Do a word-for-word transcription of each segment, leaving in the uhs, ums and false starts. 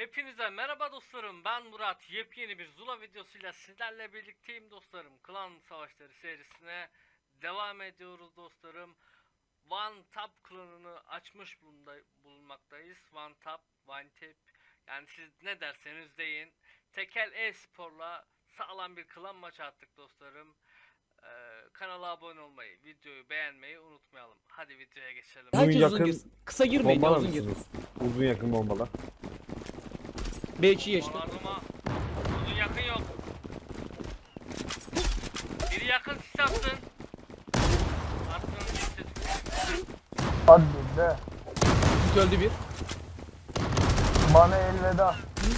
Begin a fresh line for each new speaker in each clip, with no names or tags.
Hepinize merhaba dostlarım, ben Murat. Yepyeni bir Zula videosuyla sizlerle birlikteyim dostlarım. Klan Savaşları serisine devam ediyoruz dostlarım. One Tap klanını açmış bulunmaktayız. One Tap, One Tap, yani siz ne derseniz deyin. Tekel e-sporla sağlam bir klan maçı attık dostlarım. Ee, kanala abone olmayı, videoyu beğenmeyi unutmayalım. Hadi videoya geçelim.
Uzun
Herkes
yakın
uzun girsin. Kısa girmeyin ya,
bombalar
uzun gir.
mısınız? Uzun yakın bombalar.
B iki geçti.
Onardıma uzun yakın yok. Biri yakın sis atsın. Attığın sis.
Hadi be.
Üç öldü bir.
Bana elveda.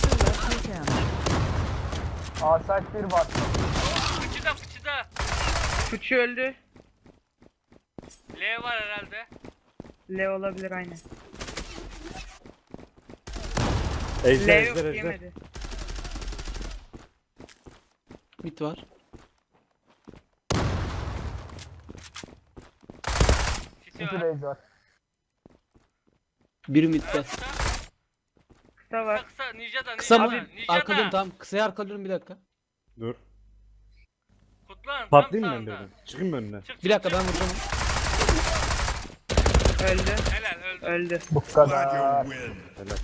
Asayt bir var.
Fıçıda fıçıda.
Fıçı öldü.
L var herhalde.
L olabilir aynen. L
Ejder
yok
ejder ejder.
yemedi.
Mid var.
Sisi
İki
var.
base var.
Biri midde.
Evet, kısa.
Kısa
Kısa
var.
kısa. Ninja'da
Kısa mı?
Ninja'da. Ninja'da.
Arkalıyorum tamam. Kısaya arkalıyorum bir dakika.
Dur.
Kutlan.
Patlayayım mı
tam
ben
sağında.
birden? Çıkayım mı önüne?
Çık, çık,
Bir dakika
çık.
ben vuracağım.
Öldü.
Helal öldü.
Öldü.
Bu
Glad
kadar.
you win.
Helal.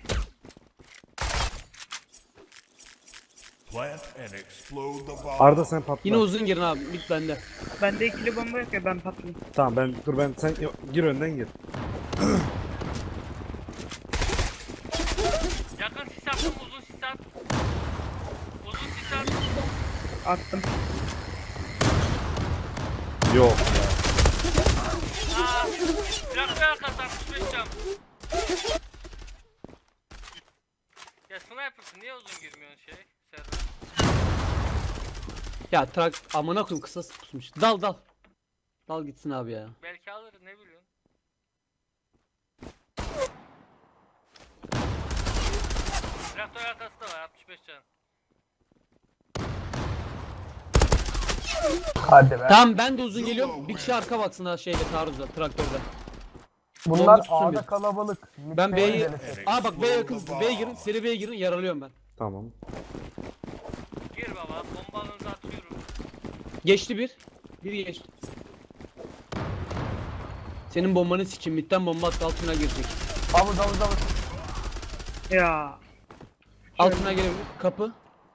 Plant and explode the bomb.
Arda sen patla.
Yine uzun girin abi. Mid bende.
Bende ikili bomba yok ya, ben patlayayım.
Tamam ben dur ben sen yo- gir önden gir.
Yakın sis attım, uzun sis at. Uzun sis at.
Attım.
Yok ya.
Aa, traktör arkası altmış beş cam. Ya sniper'sın, niye uzun girmiyorsun şey? Server.
Ya trak amına koyayım, kısa pusmuş. Dal dal. Dal gitsin abi ya.
Belki alır, ne biliyorsun? Traktör arkası da var, altmış beş can.
Hadi be.
Tamam ben de uzun geliyorum. Bir kişi arka baksın ha şeyde, taarruzda, traktörde.
Bunlar
Bomba tutsun
A'da
bir.
kalabalık.
Ben
Mid'de
B'yi...
denesin.
Aa bak B yakın. B'ye girin. Seri B'ye girin. Yaralıyorum ben.
Tamam.
Gir baba, bombalarınızı atıyorum.
Geçti bir. Biri geçti. Senin bombanı sikeyim. Midden bomba attı, altına girecek.
Havuz havuz havuz.
Ya.
Altına gelebilir. Kapı.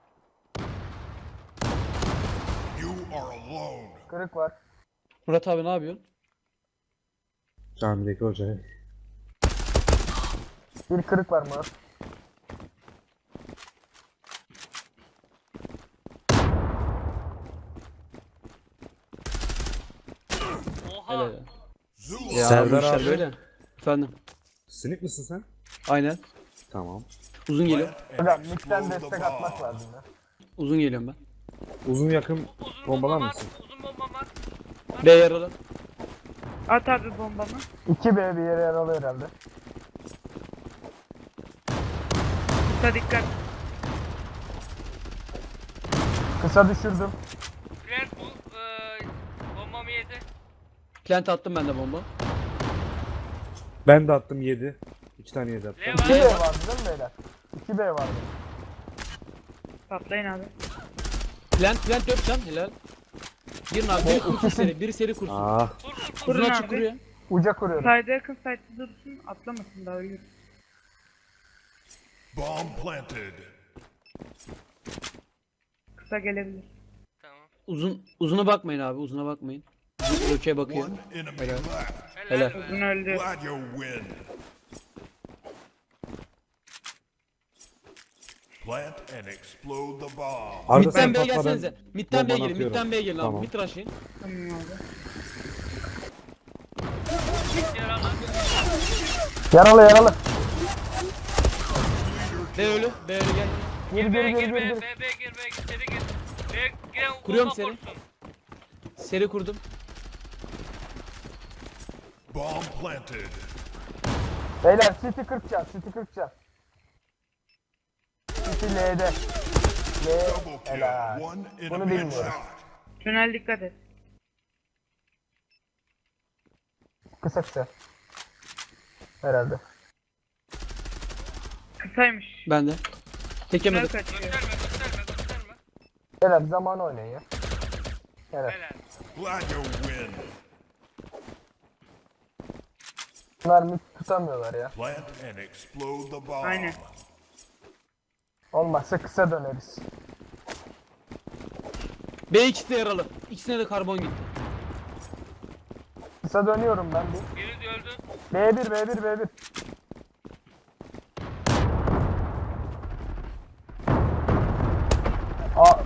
You are alone.
Kırık var.
Murat abi ne yapıyorsun?
Camideki hoca.
Bir kırık var mı?
Oha!
Helal. ya.
Zula.
Ya
Serdar
bu işler
abi.
böyle. Efendim.
Sinik misin sen?
Aynen.
Tamam.
Uzun geliyor.
Plant and
Hocam midden
explode the
destek atmak
bomb.
lazım ya.
Uzun geliyorum ben.
Uzun yakın
Uzun
bombalar
bomba var,
mısın?
uzun bomba var.
B yaralı.
At abi bombamı.
iki B bir yere yaralı herhalde.
Kısa dikkat.
Kısa düşürdüm.
Plant bu, eee, bombamı yedi.
Plant attım ben de bomba.
Ben de attım yedi. İki tane yedi attım.
L
iki
var.
B vardı değil mi beyler? iki B vardı.
Patlayın abi.
Plant plant dört can. Helal. Girin abi. Biri kursun
ikisi-
seri. Biri seri kursun.
Ah.
Kur kur kur.
Uzun
Kurun
açık
abi.
kuruyor.
Uca kuruyorum.
Sayda yakın sayda dursun, atlamasın daha ölür.
Bomb planted.
Kısa gelebilir.
Tamam.
Uzun uzuna bakmayın abi. Uzuna bakmayın. Uzun bloke bakıyor.
One enemy
Helal.
left.
Helal.
Helal.
be.
Uzun öldü.
Glad you win. Plant and explode the bomb.
Arda sen
Midden B'ye
patla, ben
gelsenize. Midden B'ye
bombanı
girin.
atıyorum.
Midden B'ye gelin abi.
Tamam.
Mid rush'ın.
Tamam abi.
Hiç yaralı.
Yaralı yaralı.
B ölü. B ölü gel.
Gir
B
gir gir
gir
gir
B,
gir.
B, B gir, B gir, seri gir. B giren
Kuruyorum
bomba
seri.
kursun.
Seri kurdum.
Bomb planted.
Beyler City kırk can. City kırk can. City L'de. L.
Double
Helal.
kill. One
Bunu
enemy
bilmiyorum.
headshot.
Tünel dikkat et.
Kısa kısa. Herhalde.
Kısa Kısaymış.
Ben de.
Tünel
Tekemedim.
kaçıyor.
Gösterme gösterme gösterme.
Beyler zaman oynayın ya. Evet.
Helal.
Glad you win.
Bunlar mid tutamıyorlar ya.
Plant and explode the bomb.
Aynen.
Olmazsa kısa döneriz.
B ikisi de yaralı. İkisine de karbon gitti.
Kısa dönüyorum ben bir.
Biri de öldü.
B bir B bir B bir. Aa,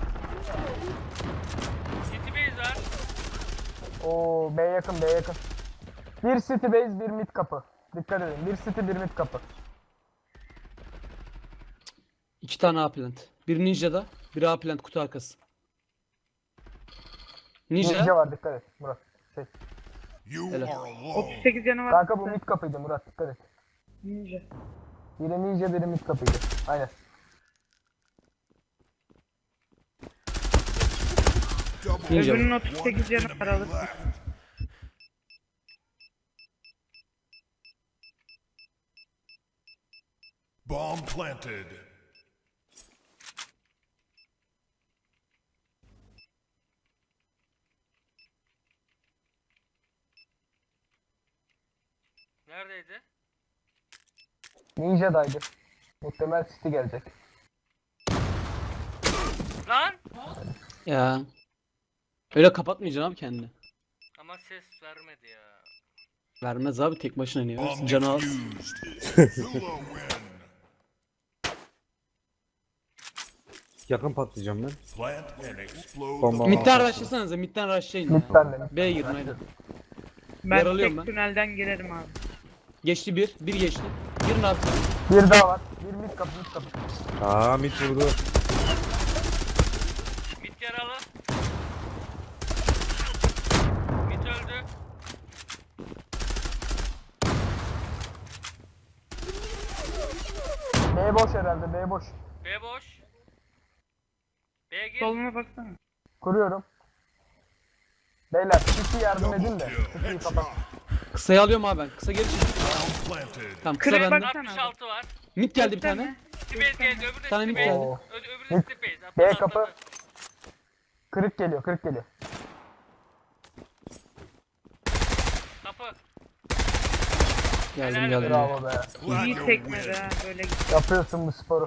City base var.
o B yakın B yakın. Bir city base bir mid kapı. Dikkat edin. Bir city bir mid kapı.
İki tane A plant. Bir Ninja'da, bir A plant kutu arkası. Ninja.
Ninja var, dikkat et Murat. Şey.
You
Helal.
are alone.
otuz sekiz canı var.
Kanka bu mid kapıydı Murat, dikkat et.
Ninja.
Biri ninja biri mid kapıydı. Aynen.
Double
Ninja.
Öbürünün
one
otuz sekiz canı var,
enemy
alırsın.
left. Bomb planted.
Neredeydi?
Ninja'daydı. Muhtemel city gelecek.
Lan!
Ya. Öyle kapatmayacaksın abi kendini.
Ama ses vermedi ya.
Vermez abi, tek başına iniyor.
Bomb
Canı az.
defused. Zula win.
Yakın patlayacağım ben.
Plant and explode
Bomba.
the bomb.
Midden rush'lasanıza, midden rush'layın ya.
Midden de mid.
B'ye girin aynen.
Ben
Yaralıyorum
tek
ben.
tünelden girerim abi.
Geçti bir, bir geçti. Girin abi.
Bir daha var. Bir mid kapı mid kapı.
Aa mid vurdu.
Mid yaralı. Mid öldü.
B boş herhalde B boş.
B boş. B gir.
Soluna baksana.
Kuruyorum. Beyler city yardım edin
Double
de.
kill.
City'yi kapat.
Headshot.
Kısayı alıyorum abi ben. Kısa geri çık.
Bomb planted.
Tamam, kısa
Kırık
bende.
bak.
altmış altı var.
Mid geldi bir
Gösterme.
tane.
City base geldi. Öbürü de
Tane
city
mid
base.
geldi.
Oo.
Ö- Öbürü de city base.
B
Atladı,
kapı.
atladı.
Kırık geliyor kırık geliyor.
Kapı.
Geldim
Helal
geldim.
Bravo be.
Glad
İyi
you
tekmedi
win.
ha böyle gitti.
Yapıyorsun bu sporu.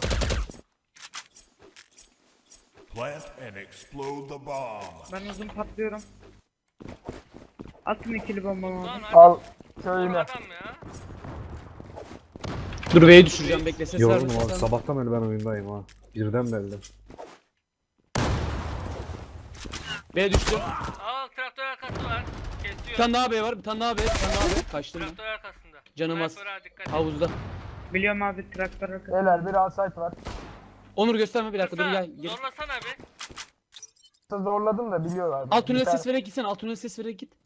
Plant and explode the bomb.
Ben uzun patlıyorum. Atın ikili bombamı
Lan
abi.
abi.
Al
Doğru
şöyle.
adam ya.
Dur B'yi düşüreceğim, bekle, ses
Yoruldum
verme.
abi.
ses verme.
Sabahtan beri ben oyundayım ha. Birden belli.
B düştü.
Aa traktör arkası var.
Bir
Kesiyor.
tane daha B var, bir tane daha B, bir tane daha B. Kaçtım ben.
Traktör arkasında.
Canım az.
Sniper'a dikkat et.
Havuzda.
Biliyorum abi traktör arkası.
Beyler bir outside var.
Onur gösterme, bir dakika dur
Kısa,
gel. gel.
zorlasana bir.
Zorladım da biliyorlar.
Alt tünele
Bir tane-
ses vererek gitsene, alt tünele ses vererek git.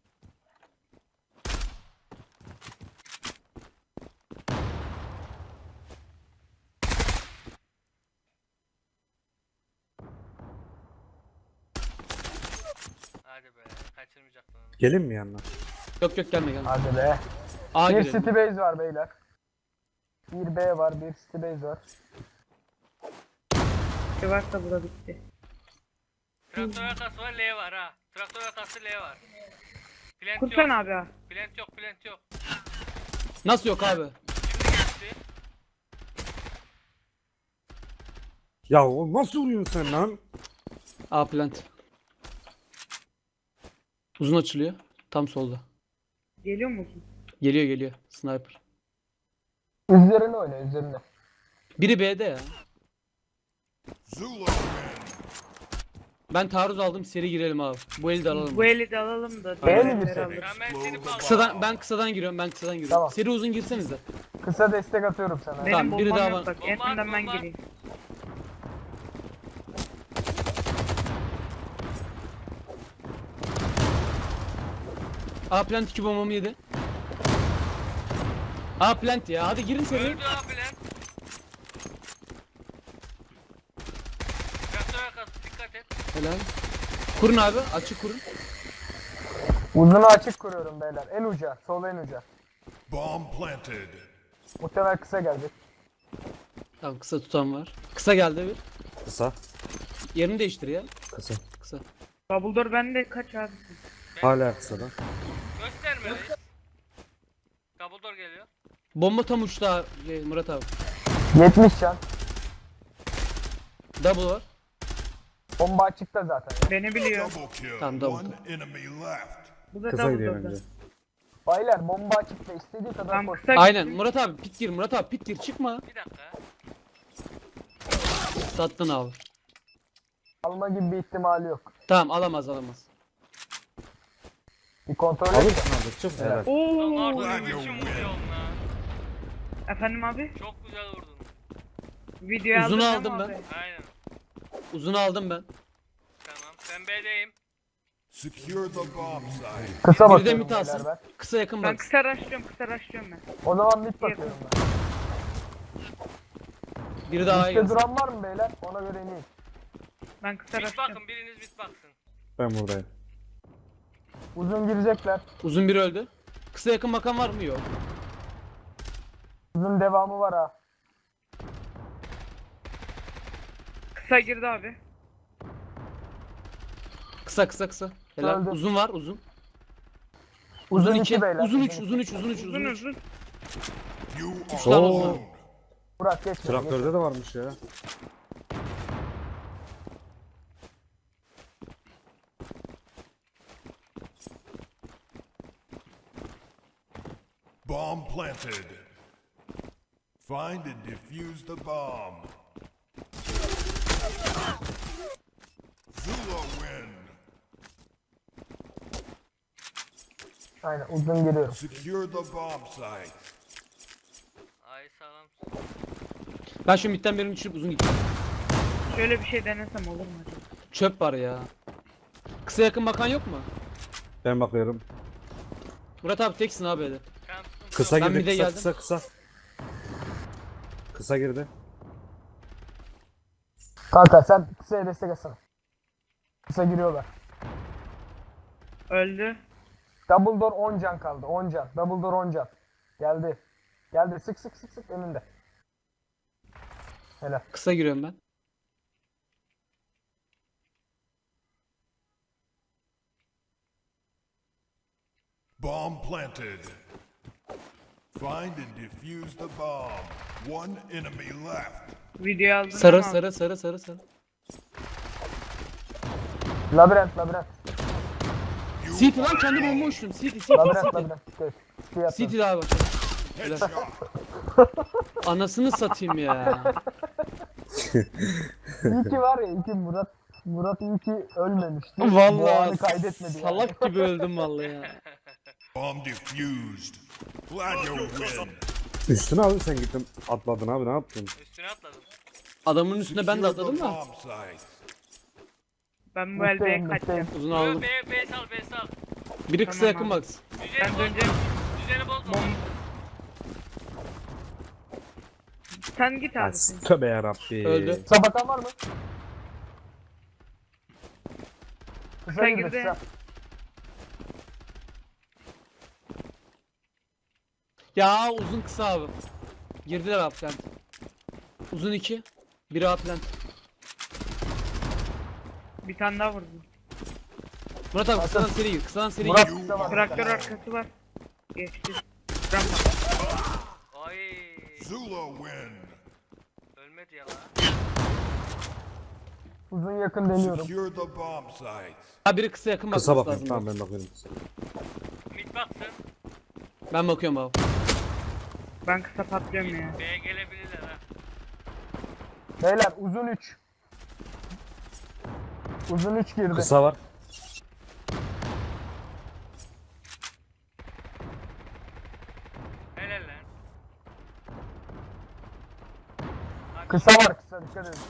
Hadi be. Kaçırmayacaktın onu.
Gelin mi yanına?
Yok yok, gelme gelme.
Hadi be.
A
Bir
girelim.
city base var beyler. Bir B var, bir city base var.
Bir varsa bu da bitti.
Traktör arkası var, L var ha. Traktör arkası L var. Plant
Kursan
yok.
abi ha.
Plant yok, plant yok.
Nasıl yok abi?
Şimdi geçti.
Ya o nasıl vuruyorsun sen lan?
A plant. Uzun açılıyor. Tam solda.
Geliyor musun?
Geliyor geliyor. Sniper.
Üzerine oyna, üzerine.
Biri B'de ya.
Zula win.
Ben taarruz aldım, seri girelim abi. Bu eli de alalım.
Bu eli de alalım da.
Beğeni
diğer
misin?
elleri alırız.
Ben ben seni bağladım.
Kısadan, ben kısadan giriyorum, ben kısadan giriyorum.
Tamam.
Seri uzun girsenize.
Kısa destek atıyorum sana.
Benim
Tamam, biri
bombam
daha
yok
var.
bak. En
Bomba at,
önden ben
bomba.
gireyim.
A plant iki bombamı yedi. A plant ya, hadi girin seri.
Öldü ha plant. Traktör arkası dikkat et.
Helal. Kurun abi, açık kurun.
Uzunu açık kuruyorum beyler. En uca, sol en uca.
Bomb planted.
Muhtemel kısa gelecek.
Tamam kısa tutan var. Kısa geldi bir.
Kısa.
Yerini değiştir ya.
Kısa.
Kısa.
Double door bende kaç abi?
Hala kısada.
Gösterme reis. Dumbledore geliyor.
Bomba tam uçta şey, Murat abi.
yetmiş can.
Double var.
Bomba açıkta zaten.
Beni biliyor.
Double kill.
Tamam, double
One enemy left.
Bu da
Kısa
double
gidiyor
door'da.
bence.
Baylar bomba açıkta istediği kadar
Tam
koş.
kısa
Aynen
gittim.
Murat abi pit gir Murat abi pit gir çıkma.
Bir dakika.
Sattın abi.
Alma gibi bir ihtimali yok.
Tamam alamaz alamaz.
Bir kontrol
Alırsın
et.
abi. Çık helal.
Lan
Oo.
Arda
Ulan
ne
yok
biçim
be.
vuruyorsun lan.
Efendim abi?
Çok güzel vurdun.
Videoyu
Uzunu
aldın
aldım
değil mi
ben.
abi?
Aynen.
Uzunu aldım ben.
Tamam. Ben B'deyim.
Secure the bomb site.
Kısa
Bir de
bakıyorum
mit
beyler
alsın.
ben.
Kısa yakın
Ben
bak.
kısa rushlıyorum kısa rushlıyorum ben.
O zaman mid bakıyorum ben.
Biri daha iyi
Mid'de
gelsin.
duran var mı beyler? Ona göre ineyim.
Ben kısa
Bit
rushlıyorum.
bakın, biriniz bit baksın.
Ben buradayım.
Uzun girecekler.
Uzun biri öldü. Kısa yakın bakan var mı? Yok.
Uzun devamı var ha.
Kısa girdi abi.
Kısa kısa kısa. Helal.
Öldü.
Uzun var uzun.
Uzun,
Uzun
iki
iki.
beyler.
Uzun üç.
iki.
Uzun üç. Uzun üç.
Uzun
Uzun üç.
uzun.
You
tane
are
uzun.
alone.
Burak geçme. geçme.
Traktörde de varmış ya.
Bomb planted. Find and defuse the bomb. Zula win.
Aynen uzun giriyorum.
Secure the bomb site.
Ay sağlam.
Ben şu midden birini düşürüp uzun gideceğim.
Şöyle bir şey denesem olur mu acaba?
Çöp var ya. Kısa yakın bakan yok mu?
Ben bakıyorum.
Murat abi teksin abi hele.
Tamam, sıkıntı
Kısa
yok.
Ben
girdi.
bir de
Kısa
geldim.
kısa kısa. Kısa girdi.
Kanka sen kısaya destek etsene. Kısa giriyorlar.
Öldü.
Double door on can kaldı. on can. Double door on can. Geldi. Geldi. Sık sık sık sık önünde. Helal.
Kısa giriyorum ben.
Bomb planted. Find and defuse the bomb. One enemy left.
Videoyu aldın
Sarı
değil mi abi?
sarı sarı sarı sarı.
Labirent labirent.
You
City lan kendi bomba uçtum. City City
Labirent
City.
labirent. Geç. Fiyat
City daha bak.
headshot.
Anasını satayım ya.
İyi ki var ya. İyi ki Murat. Murat iyi ki ölmemişti. Bu anı
Vallahi
kaydetmedi yani.
salak gibi öldüm vallahi ya.
Bomb defused. Glad you win.
Üstüne abi sen gittin atladın abi ne yaptın?
Üstüne atladım.
Adamın üstüne ben de
Secure
atladım
the
da.
bomb site.
Ben bu el B'ye
Mutluyum,
kaçacağım.
mutluyum.
Uzun
B,
aldım.
B, B sal, B sal.
Biri kısa
Tamam
yakın
abi.
baksın.
Düzeni
Ben
bozma.
döneceğim.
Düzeni bozma.
Sen git
Ya,
abi. sen.
tövbe yarabbi.
Öldü.
Sabatan var mı? Kısa
Kısa
girdi.
girdi.
Kısa.
Ya uzun kısa abi. Girdiler abi plant. Uzun iki. Biri A plant.
Bir tane daha vurdum.
Murat abi kısadan seri gir. Kısadan seri
Murat
gir.
kısa var.
Traktör arkası var. Geçti. Rampa.
Ay.
Zula win.
Ölmedi ya lan.
Uzun yakın deniyorum.
Secure the bomb site.
Ha biri kısa yakın
Kısa
bakması
bakayım
lazım.
tamam ben bakıyorum. kısa.
Mid baksın.
Ben bakıyorum abi.
Ben kısa patlıyorum ya.
B'ye gelebilirler ha.
Beyler uzun üç. Uzun üç girdi.
Kısa var.
Helal lan. Hadi.
Kısa var kısa dikkat edin.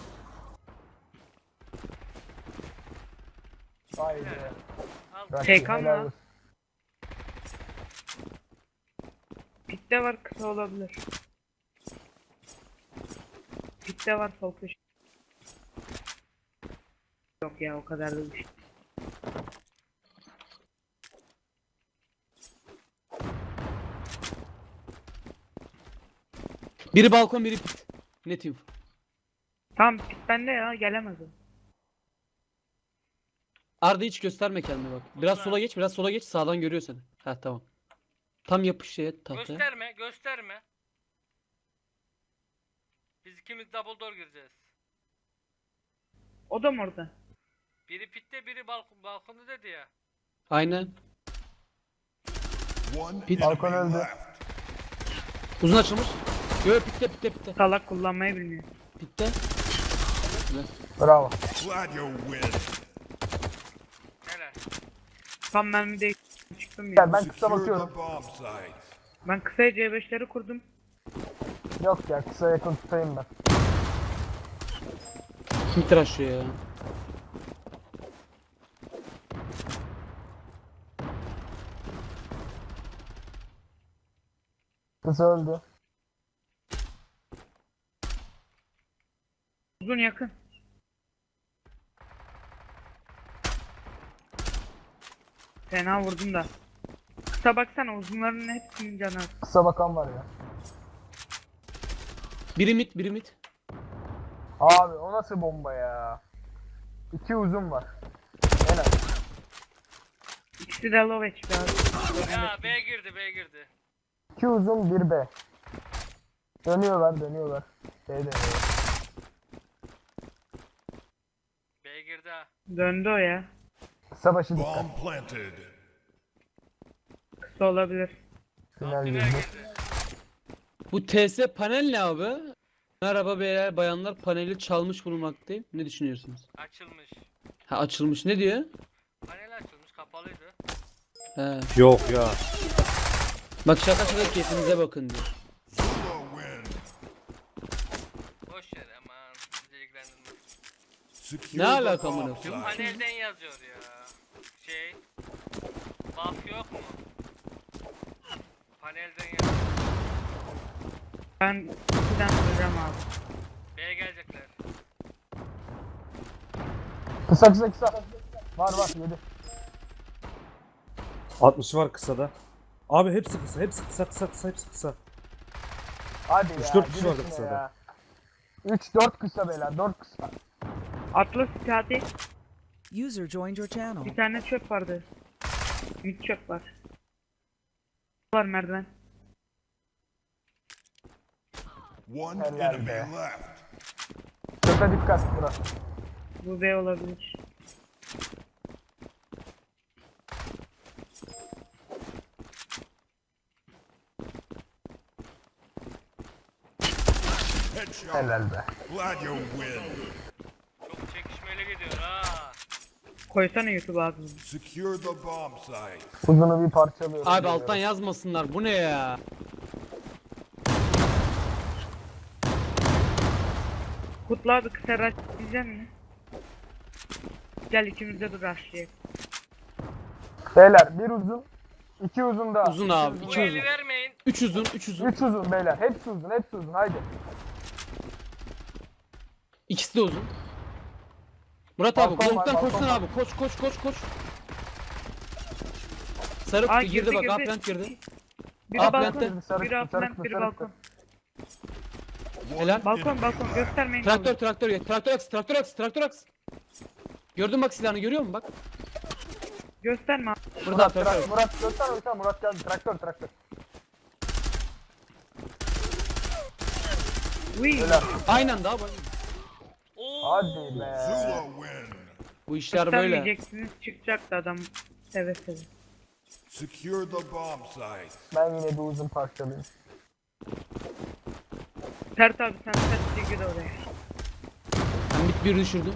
Vay be.
Al.
Rakip,
Şeykan
helal
mı?
olsun.
Pitte var kısa olabilir. Pitte var sol köşe. Yok ya o kadar da değil.
Biri balkon biri pit. Net info.
Tamam pit bende ya gelemez o.
Arda hiç gösterme kendini bak. Biraz
Ulan.
sola geç, biraz sola geç. Sağdan görüyor seni. Ha tamam. Tam yapış şeye tahtaya.
Gösterme, gösterme. Biz ikimiz double door gireceğiz.
O da mı orada?
Biri pitte, biri balkon, balkonda dedi ya.
Aynen.
One
Pit-
Balkon
enemy
öldü.
left.
Uzun açılmış. Yo pitte pitte pitte.
Salak kullanmayı bilmiyor.
Pitte.
Bravo.
Glad you win.
Helal.
Tam mermi de çıktım ya.
Gel ben kısa
Secure
bakıyorum.
the bomb sites.
Ben kısaya C beşleri kurdum.
Yok ya kısa yakın tutayım ben.
Kim tıraşlıyor ya?
Kısa öldü.
Uzun yakın. Fena vurdum da. Kısa baksana uzunların hepsinin canı az.
Kısa bakan var ya.
Biri mit, biri mit.
Abi o nasıl bomba ya? İki uzun var. Helal.
İkisi de low H P abi.
Ya B girdi, B girdi.
İki uzun bir B. Dönüyorlar dönüyorlar. B dönüyor.
B girdi ha.
Döndü o ya.
Kısa başı dikkat.
Bomb planted.
Kısa olabilir.
Tünel
Tünel
girdi.
girdi.
Bu T S panel ne abi? Merhaba beyler bayanlar, paneli çalmış bulunmaktayım. Ne düşünüyorsunuz?
Açılmış.
Ha açılmış, ne diyor?
Panel açılmış, kapalıydı.
He.
Yok ya.
Bak şaka şaka keyfinize bakın diyor.
Zula win.
Boş yer aman. Bizi ilgilendirmez.
Secure
Ne
the
alaka
bomb
amına
Şu
sites.
panelden yazıyor ya. Şey. Buff yok mu? Panelden yazıyor.
Ben ikiden vuracağım abi.
B'ye gelecekler.
Kısa kısa kısa. Var var yedi.
altmış var kısada. Abi hepsi kısa, hepsi kısa, kısa, kısa, hepsi kısa.
Hadi
Üç,
ya.
dört kişi
gir
vardı
içine
kısada.
ya. üç dört kısa beyler dört kısa.
Atlas hadi.
User joined your channel.
Bir tane çöp vardı. Bir çöp var. Var merdiven.
One
Helal
enemy
be.
left.
Köpe dikkat Murat.
Bu B olabilir.
Headshot.
Helal be.
Glad you win.
Çok çekişmeli gidiyor ha.
Koysana YouTube abi.
Secure the bomb site.
Uzunu bir parçalıyorum.
Abi alttan yazmasınlar, bu ne ya?
Kutlu abi kısa rush diyecek mi? Gel ikimiz de dur rushlayalım.
Beyler bir uzun. iki uzun daha.
Uzun abi,
Bu
iki uzun.
eli vermeyin.
Üç uzun, üç uzun.
Üç uzun beyler. Hepsi uzun hepsi uzun haydi.
İkisi de uzun. Murat abi,
Balkon var,
long'dan
balkon
koşsana
var.
abi, koş koş koş koş. Sarı
Aa,
kutu girdi,
girdi,
bak,
girdi.
Upland girdi.
Biri
Aa,
balkon,
plante.
Sarı
biri
kısa, sarı
upland,
kısa,
biri
sarı
balkon.
Helal.
Balkon, balkon göstermeyin.
Traktör,
abi.
traktör, gel. Traktör aks, traktör aks, traktör aks. Gördün bak silahını, görüyor musun bak?
Gösterme abi.
Burada
Murat,
traktör.
tra- Murat göster göster Murat geldi. Traktör traktör.
Uy.
Helal.
Aynen daha bak.
Oo.
Hadi be.
Zula win.
Bu işler böyle.
Göstermeyeceksiniz çıkacaktı adam seve seve.
Secure the bomb site.
Ben yine bir uzun parçalayayım.
Sert abi sen sert gir oraya.
Ben bit bir düşürdüm.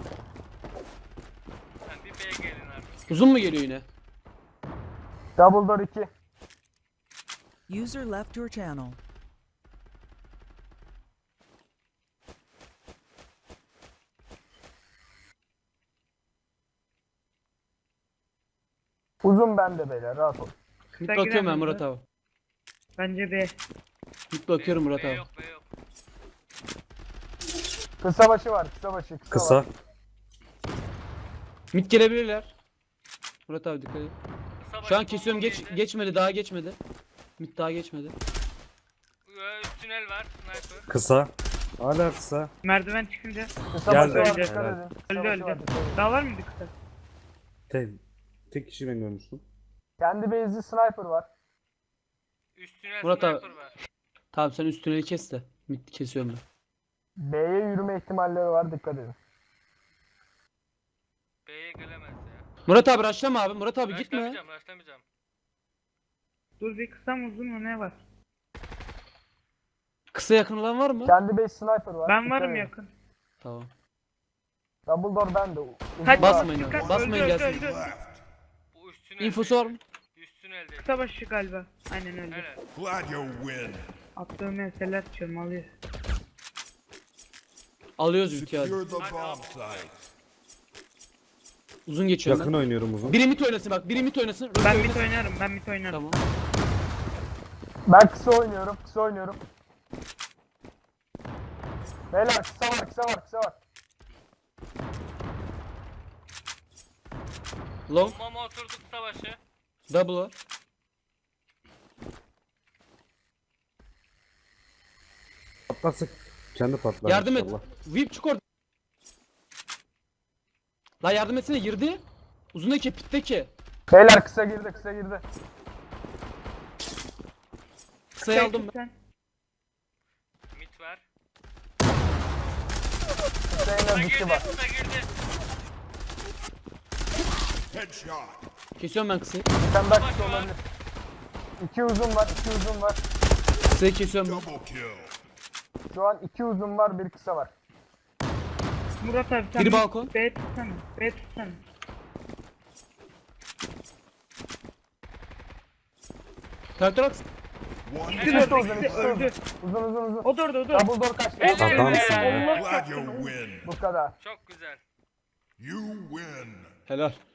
Sen bir B'ye gelin artık.
Uzun mu geliyor yine?
Double door iki.
User left your channel.
Uzun bende beyler rahat ol.
Bit
Kısa
bakıyorum ben
giren
Murat
mi?
abi.
Bence B.
Bit bakıyorum
B
Murat
B
abi.
yok, B yok.
Kısa başı var kısa başı kısa,
Kısa.
var.
Mid gelebilirler. Murat abi dikkat et.
Kısa
Şu an
başı
kesiyorum,
bomba
geç
yedi.
geçmedi, daha geçmedi. Mid daha geçmedi.
Ee, Üst tünel var. Sniper.
Kısa. Hala kısa.
Merdiven çıkınca.
Kısa
Geldi.
başı var,
Öldü.
dikkat
Helal.
edin. Kısa
Öldü
başı var,
öldü.
dikkat edin.
Daha var mıydı kısa?
Tek, tek kişi ben görmüştüm.
Kendi base'li sniper var.
Üstüne
Murat abi.
sniper ver.
Tamam sen üst tüneli kes de. Mid kesiyorum ben.
B'ye yürüme ihtimalleri var, dikkat edin.
B'ye gelemez ya.
Murat abi rushlama abi. Murat abi gitme.
Başlamayacağım, başlamayacağım.
Dur bir kısa mı uzun mu ne var?
Kısa yakın olan var mı?
Kendi base sniper var.
Ben
dikkat
varım
edin.
yakın.
Tamam.
Double door bende. Uzun
Kaç
var.
Basmayın
Dikkat,
abi. Basmayın
öldü,
gelsin.
öldü, öldü.
Left.
Bu üstüne
İnfosu var mı?
Üstüne elde.
Kısa başı galiba. Aynen öyle.
Helal.
Glad you win.
Attığım meseleler çırmalıyor.
Alıyoruz ülke abi.
Secure the bomb site.
Uzun geçiyorum
Yakın
ben.
oynuyorum uzun.
Biri mid oynasın bak. Biri mid oynasın. Röpte
Ben
oynasın.
mit oynarım, ben mit oynarım.
Tamam.
Ben kısa oynuyorum, kısa oynuyorum. Beyler kısa var, kısa var, kısa var.
Long.
Bombama oturduk savaşı.
Double var.
Patlarsa kendi patlar
Yardım et.
inşallah.
Whip çık orada. La yardım etsene girdi. Uzundaki pitteki.
Beyler kısa girdi, kısa girdi.
Kısayı aldım ben.
Sen.
Mit ver.
Kısa en
Kısa
az iki
girdi,
var.
kısa girdi.
Headshot.
Kesiyorum ben kısayı.
Bir tane daha kısa olabilir. İki uzun var, iki uzun var.
Kısayı kesiyorum ben.
Double kill.
Şu an iki uzun var, bir kısa var.
Murat abi sen
Biri
bir
balkon.
B tutsana. B tutsana.
Traktör at.
One
İkisi
İkisi
de
uzun,
öldü,
ikisi
ikisi öldü.
Uzun uzun uzun.
O da orada, o da orada.
Double door kaçtı.
Evet.
Adamsın ya.
Allah
Glad
çarpsın.
you win.
Bu kadar.
Çok güzel.
You win.
Helal.